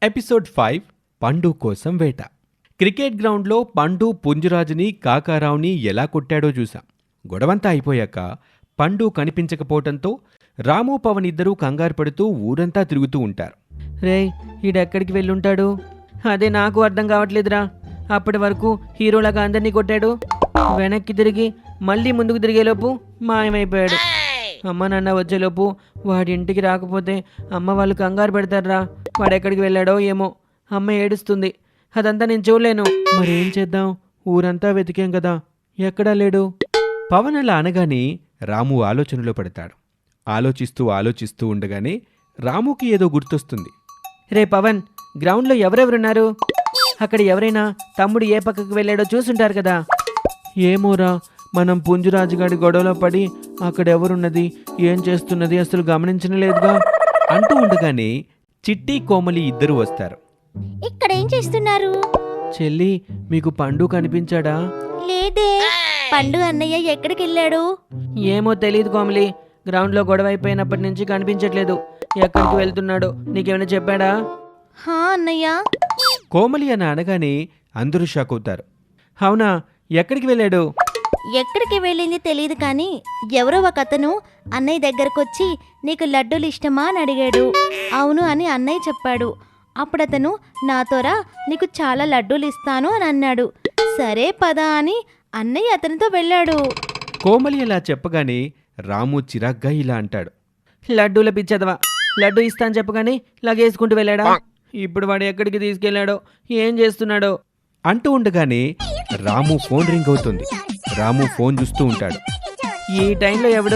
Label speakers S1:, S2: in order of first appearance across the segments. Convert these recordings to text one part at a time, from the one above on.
S1: Episode 5 పండు కోసం వేట. క్రికెట్ గ్రౌండ్లో పండు పుంజురాజుని కాకారావుని ఎలా కొట్టాడో చూశాం. గొడవంతా అయిపోయాక పండు కనిపించకపోవటంతో రాము పవన్ ఇద్దరూ కంగారు పడుతూ ఊరంతా తిరుగుతూ ఉంటారు.
S2: రే ఈడెక్కడికి వెళ్ళుంటాడు? అదే నాకు అర్థం కావట్లేదురా. అప్పటి వరకు హీరోలాగా అందరినీ కొట్టాడు, వెనక్కి తిరిగి మళ్ళీ ముందుకు తిరిగేలోపు మాయమైపోయాడు. అమ్మ నాన్న వచ్చేలోపు వాడి ఇంటికి రాకపోతే అమ్మ వాళ్ళు కంగారు పెడతారా. వాడెక్కడికి వెళ్ళాడో ఏమో, అమ్మ ఏడుస్తుంది. అదంతా నేను చూడలేను. మరేం చేద్దాం? ఊరంతా వెతికాం కదా, ఎక్కడా లేడు.
S1: పవన్ అలా అనగానే రాము ఆలోచనలో పడతాడు. ఆలోచిస్తూ ఉండగానే రాముకి ఏదో గుర్తొస్తుంది.
S2: రే పవన్, గ్రౌండ్లో ఎవరెవరున్నారు? అక్కడ ఎవరైనా తమ్ముడు ఏ పక్కకు వెళ్ళాడో చూసుంటారు కదా.
S1: ఏమోరా, మనం పుంజురాజుగాడి గొడవలో పడి అక్కడెవరున్నది ఏం చేస్తున్నది అసలు గమనించలేదుగా అంటూ ఉండగానే చిట్టి కోమలి ఇద్దరు వస్తారు.
S3: ఇక్కడేం చేస్తున్నారు?
S2: చెల్లి, మీకు పండు కనిపించాడా?
S3: లేదే. పండు అన్నయ్య ఎక్కడికి వెళ్ళాడు?
S2: ఏమో తెలియదు కోమలి. గ్రౌండ్లో గొడవ అయిపోయినప్పటి నుంచి కనిపించట్లేదు. ఎక్కడికి వెళ్తున్నాడో నీకేమైనా చెప్పాడా?
S3: హా అన్నయ్య.
S1: కోమలి అని అనగానే అందరూ షాక్ అవుతారు.
S2: అవునా, ఎక్కడికి వెళ్ళాడు?
S3: ఎక్కడికి వెళ్ళింది తెలియదు కానీ ఎవరో ఒక అతను అన్నయ్య దగ్గరకొచ్చి నీకు లడ్డూలు ఇష్టమా అని అడిగాడు. అవును అని అన్నయ్య చెప్పాడు. అప్పుడు అతను నాతోరా నీకు చాలా లడ్డూలు ఇస్తాను అని అన్నాడు. సరే పదా అని అన్నయ్య అతనితో వెళ్ళాడు.
S1: కోమలి అలా చెప్పగానే రాము చిరాగ్గా ఇలా అంటాడు.
S2: లడ్డూల పిచ్చదవా, లడ్డూ ఇస్తా అని చెప్పగానే లగేసుకుంటూ వెళ్ళాడా? ఇప్పుడు వాడు ఎక్కడికి తీసుకెళ్లాడో, ఏం చేస్తున్నాడో
S1: అంటూ ఉండగానే రాము ఫోన్ రింగ్ అవుతుంది. రాము ఫోన్ చూస్తూ ఉంటాడు.
S2: ఈ టైంలో ఎవడు?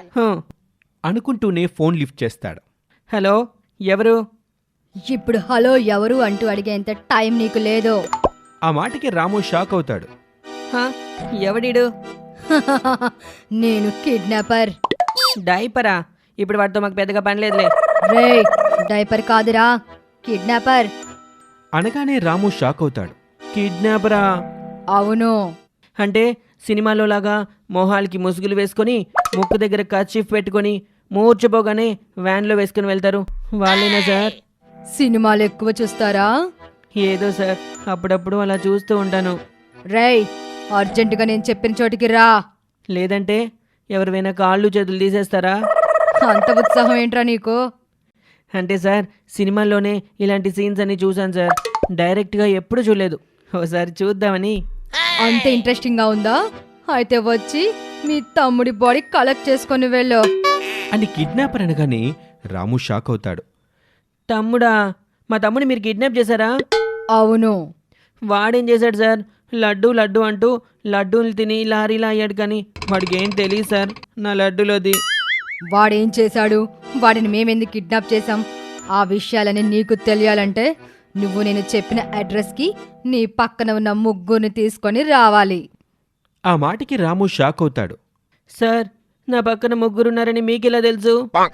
S1: అనుకుంటూనే ఫోన్ లిఫ్ట్ చేస్తాడు.
S2: హలో, ఎవరు?
S4: ఇప్పుడు హలో ఎవరు అంటూ అడిగేంత టైం నీకు లేదు.
S1: ఆ మాటకి రాము షాక్ అవుతాడు.
S2: హా, ఎవడీడు?
S4: నేను కిడ్నాపర్.
S2: డైపరా? ఇప్పుడు వాడితో మాకు పెద్దగా పని లేదులే.
S4: రే, డైపర్ కాదురా, కిడ్నాపర్.
S1: అనగానే రాము షాక్ అవుతాడు.
S2: కిడ్నాపరా?
S4: అవును.
S2: అంటే సినిమాలో లాగా మొహాలకి ముసుగులు వేసుకొని ముక్కు దగ్గర కర్చీఫ్ పెట్టుకొని మూర్చిపోగానే వ్యాన్లో వేసుకుని వెళ్తారు వాళ్ళేనా సార్?
S4: సినిమాలు ఎక్కువ చూస్తారా?
S2: ఏదో సార్, అప్పుడప్పుడు అలా చూస్తూ ఉంటాను.
S4: రేయ్, అర్జెంటుగా నేను చెప్పిన చోటికి రా.
S2: లేదంటే ఎవరివైనా కాళ్ళు చేతులు తీసేస్తారా?
S4: అంత ఉత్సాహం ఏంట్రా నీకు?
S2: అంటే సార్, సినిమాల్లోనే ఇలాంటి సీన్స్ అన్ని చూశాను సార్, డైరెక్ట్గా ఎప్పుడు చూడలేదు. ఓసారి చూద్దామని.
S4: అంత ఇంట్రెస్టింగ్గా ఉందా? అయితే వచ్చి మీ తమ్ముడి బాడీ కలెక్ట్ చేసుకొని వెళ్ళు
S1: అని కిడ్నాపర్ అనగానే రాము షాక్ అవుతాడు.
S2: తమ్ముడా? మా తమ్ముడు మీరు కిడ్నాప్ చేశారా?
S4: అవును.
S2: వాడేం చేశాడు సార్? లడ్డు లడ్డు అంటూ లడ్డూలు తిని లారీలా అయ్యాడు, కానీ వాడికి ఏం తెలియదు సార్ నా లడ్డూలోది.
S4: వాడేం చేశాడు? వాడిని మేమెందుకు కిడ్నాప్ చేశాం? ఆ విషయాలని నీకు తెలియాలంటే నువ్వు నేను చెప్పిన అడ్రస్కి నీ పక్కన ఉన్న ముగ్గురిని తీసుకొని రావాలి.
S1: ఆ మాటకి రాము షాక్ అవుతాడు.
S2: సార్, నా పక్కన ముగ్గురున్నారని మీకెలా తెలుసు?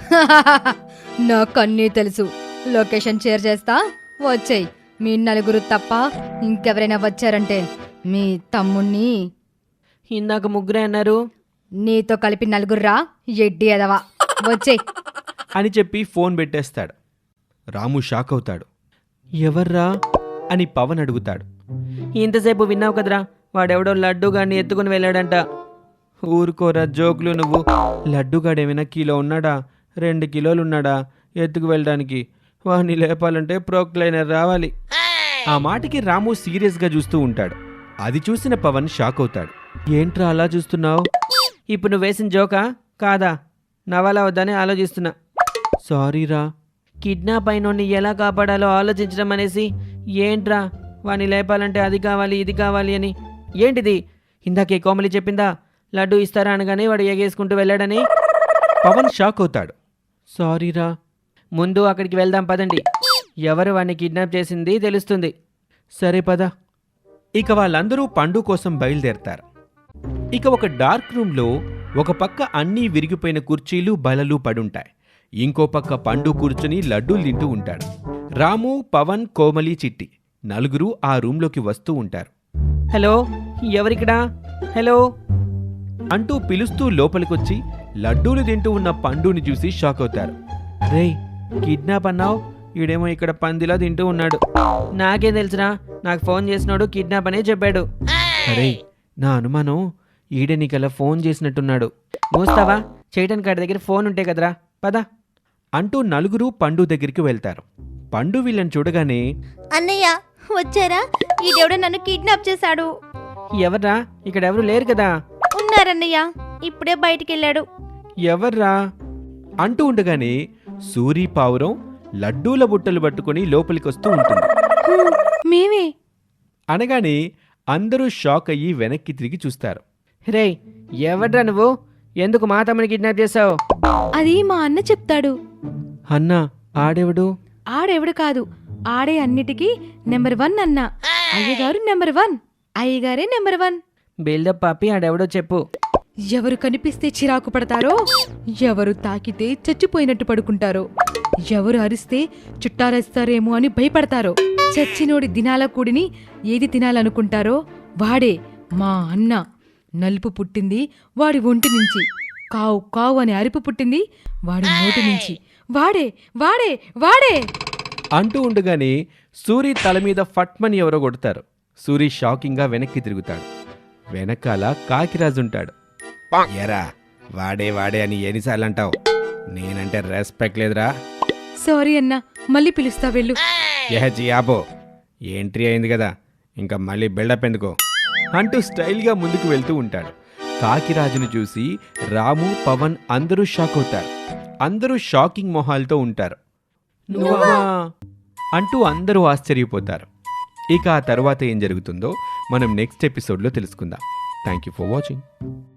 S4: నాకన్నీ తెలుసు. లొకేషన్ షేర్ చేస్తా, వచ్చేయ్. మీ నలుగురు తప్ప ఇంకెవరైనా వచ్చారంటే మీ తమ్ముణ్ణి.
S2: ఇందాక ముగ్గురే అన్నారు.
S4: నీతో కలిపి నలుగుర్రా, ఎడ్డి ఎదవా, వచ్చేయ్
S1: అని చెప్పి ఫోన్ పెట్టేస్తాడు. రాము షాక్ అవుతాడు. ఎవర్రా అని పవన్ అడుగుతాడు.
S2: ఇంతసేపు విన్నావు కదరా, వాడెవడో లడ్డూగాడిని ఎత్తుకుని వెళ్ళాడంట.
S1: ఊరుకోరా జోకులు నువ్వు. లడ్డుగాడేమైనా కిలో ఉన్నాడా 2 కిలోలు ఉన్నాడా ఎత్తుకు వెళ్ళడానికి? వాడిని లేపాలంటే ప్రోక్లైనర్ రావాలి. ఆ మాటకి రాము సీరియస్గా చూస్తూ ఉంటాడు. అది చూసిన పవన్ షాక్ అవుతాడు. ఏంట్రా అలా చూస్తున్నావు?
S2: ఇప్పుడు నువ్వు వేసిన జోకా కాదా? నవ్వాలా వద్దని ఆలోచిస్తున్నా.
S1: సారీరా.
S2: కిడ్నాప్ అయినోడిని ఎలా కాపాడాలో ఆలోచించడం అనేసి ఏంట్రా వాడిని లేపాలంటే అది కావాలి ఇది కావాలి అని? ఏంటిది? ఇందాకే కోమలి చెప్పిందా లడ్డు ఇస్తారా అనగానే వాడు ఎగేసుకుంటూ వెళ్ళాడని?
S1: పవన్ షాక్ అవుతాడు. సారీరా.
S2: ముందు అక్కడికి వెళ్దాం పదండి, ఎవరు వాడిని కిడ్నాప్ చేసింది తెలుస్తుంది.
S1: సరే పద. ఇక వాళ్ళందరూ పండు కోసం బయలుదేరతారు. ఇక ఒక డార్క్ రూమ్లో ఒక పక్క అన్నీ విరిగిపోయిన కుర్చీలు బలలు పడుంటాయి. ఇంకో పక్క పండు కూర్చుని లడ్డూలు తింటూ ఉంటాడు. రాము, పవన్, కోమలి, చిట్టి నలుగురు ఆ రూమ్లోకి వస్తూ ఉంటారు.
S2: హలో, ఎవరిక్కడా? హలో
S1: అంటూ పిలుస్తూ లోపలికొచ్చి లడ్డూలు తింటూ ఉన్న పండుని చూసి షాక్ అవుతారు. రేయ్, కిడ్నాప్ అన్నావు, ఈడేమో ఇక్కడ పందిలా తింటూ ఉన్నాడు.
S2: నాకేం తెలుసురా, నాకు ఫోన్ చేసినాడు కిడ్నాప్ అనే చెప్పాడు.
S1: అరే నా అనుమానం ఈడే నీకలా ఫోన్ చేసినట్టున్నాడు.
S2: మూస్తావా? చేయటానికి కాడి దగ్గర ఫోన్ ఉంటే కదరా, పద.
S1: అంటూ నలుగురు పండు దగ్గరికి వెళ్తారు. పండు వీళ్ళని చూడగానే
S3: అన్నయ్య వచ్చారా? ఈ దేవుడు నన్ను కిడ్నాప్ చేశాడు.
S2: ఎవర్రా? ఇక్కడ ఎవరు లేరు కదా.
S3: ఉన్నారన్నయ్య, ఇప్పుడే బయటికి వెళ్ళాడు.
S1: ఎవర్రా అంటూ ఉండగానే సూరి పావురం లడ్డూల బుట్టలు పట్టుకుని లోపలికొస్తూ ఉంటుంది.
S3: మేమే.
S1: అనగానే అందరూ షాక్ అయ్యి వెనక్కి తిరిగి చూస్తారు.
S2: రే, ఎవడ్రా నువ్వు? ఎందుకు మా తమ్ముని కిడ్నాప్ చేసావు?
S3: అది మా అన్న చెప్తాడు.
S1: అన్నా ఆడెవడు?
S3: ఆడెవడు కాదు, ఆడే అన్నిటికీ నెంబర్ 1 అన్న. అయ్యగారు నెంబర్ 1, అయ్యగారే నెంబర్ 1.
S2: బిల్డప్ పాపి, ఆడెవడో చెప్పు.
S5: ఎవరు కనిపిస్తే చిరాకు పడతారో, ఎవరు తాకితే చచ్చిపోయినట్టు పడుకుంటారో, ఎవరు అరిస్తే చుట్టారేస్తారేమో అని భయపడతారో, చచ్చినోడి దినాల కూడిని ఏది తినాలనుకుంటారో వాడే మా అన్న. నలుపు పుట్టింది వాడి ఒంటి నుంచి, కావు కావు అని అరుపు పుట్టింది వాడి నోటి నుంచి. వాడే వాడే వాడే
S1: అంటూ ఉండగానే సూరి తల మీద ఫట్మని ఎవరో కొడతారు. సూరి షాకింగ్గా వెనక్కి తిరుగుతాడు. వెనకాల కాకిరాజుంటాడు. ఎరా వాడే వాడే అని ఎన్నిసార్లు అంటావు? నేనంటే రెస్పెక్ట్ లేదురా.
S5: సారీ అన్నా, మళ్ళీ పిలుస్తా వెళ్ళు.
S1: ఆపో, ఎంట్రీ అయింది కదా, ఇంకా మళ్ళీ బిల్డప్ ఎందుకో అంటూ స్టైల్గా ముందుకు వెళ్తూ ఉంటాడు. కాకిరాజును చూసి రాము, పవన్ అందరూ షాక్ అవుతారు. అందరూ షాకింగ్ మొహాలతో ఉంటారు. నువ్వా అంటూ అందరూ ఆశ్చర్యపోతారు. ఇక ఆ తర్వాత ఏం జరుగుతుందో మనం నెక్స్ట్ ఎపిసోడ్లో తెలుసుకుందాం. Thank you for watching.